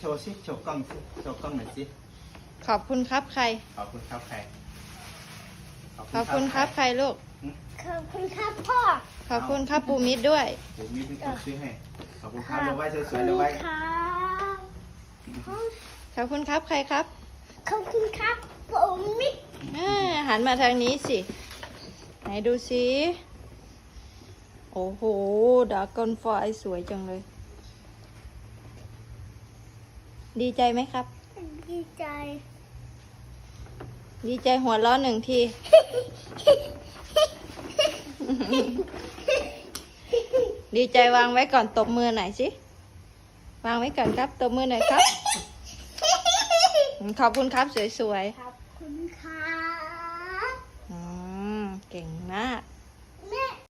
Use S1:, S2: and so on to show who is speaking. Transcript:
S1: ว์สิโชว์กล้องสิโชว์กล้องหน่อยสิ
S2: ขอบคุณครับใคร
S1: ขอบคุณครับใคร
S2: ขอบคุณครับใครลูก
S3: ขอบคุณครับพ่อ
S2: ขอบคุณครับปูมิตรด้วย
S1: ผมมีเป็นคนซื้อให้ขอบคุณครับเราไว้สวยๆเราไว้
S3: ครับ
S2: ขอบคุณครับใครครับ
S3: ขอบคุณครับผมมิด
S2: หันมาทางนี้สิไหนดูสิโอ้โหดราก้อนไฟสวยจังเลย ดีใจไหมครับ
S3: ดีใจ
S2: ดีใจหัวเราะหนึ่งที ดีใจวางไว้ก่อนตบมือหน่อยสิวางไว้ก่อนครับตบมือหน่อยครับ ขอบคุณครับสวย
S3: ขอบคุณครับ
S2: ๆเก่งมาก